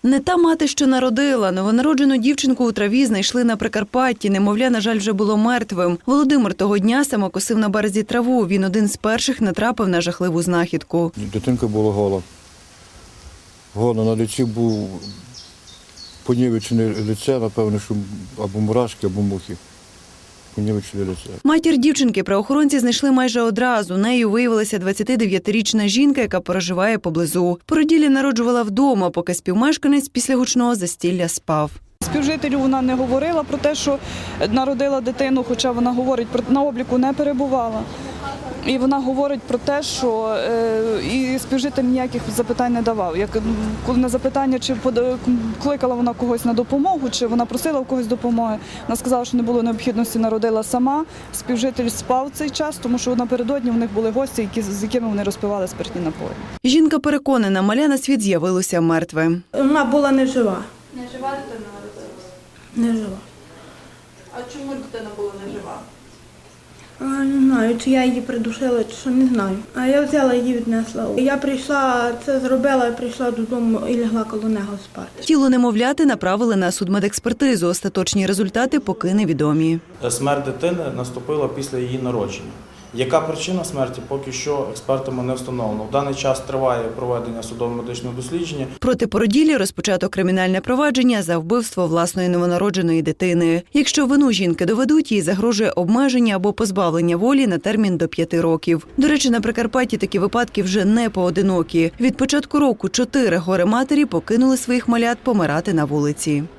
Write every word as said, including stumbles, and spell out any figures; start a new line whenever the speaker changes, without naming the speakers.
Не та мати, що народила. Новонароджену дівчинку у траві знайшли на Прикарпатті. Немовля, на жаль, вже було мертвим. Володимир того дня самокосив на березі траву. Він один з перших натрапив на жахливу знахідку.
Дитинка була гола. Гола, на лиці був понівечене лице, напевно, що або мурашки, або мухи. Понівечене лице.
Матір дівчинки правоохоронці знайшли майже одразу. Нею виявилася двадцятидев'ятирічна жінка, яка проживає поблизу. Породілля народжувала вдома, поки співмешканець після гучного застілля спав.
Співжителю вона не говорила про те, що народила дитину, хоча вона говорить, на обліку не перебувала. І вона говорить про те, що е, і співжитель ніяких запитань не давав. Як коли на запитання, чи кликала вона когось на допомогу, чи вона просила в когось допомоги, вона сказала, що не було необхідності, народила сама. Співжитель спав цей час, тому що напередодні в них були гості, які, з якими вони розпивали спиртні напої.
Жінка переконана, маля на світ з'явилося мертве.
Вона була не жива.
Не жива дитина народилася?
Не жива.
А чому дитина була не жива?
А, не знаю, чи я її придушила, чи що, не знаю. А я взяла її, віднесла. Я прийшла, це зробила, прийшла додому і лягла коло нього спати.
Тіло немовляти направили на судмедекспертизу. Остаточні результати поки невідомі.
Смерть дитини наступила після її народження. Яка причина смерті, поки що експертами не встановлено. В даний час триває проведення судово-медичного дослідження.
Проти породіллі розпочато кримінальне провадження за вбивство власної новонародженої дитини. Якщо вину жінки доведуть, їй загрожує обмеження або позбавлення волі на термін до п'яти років. До речі, на Прикарпатті такі випадки вже не поодинокі. Від початку року чотири горе-матері покинули своїх малят помирати на вулиці.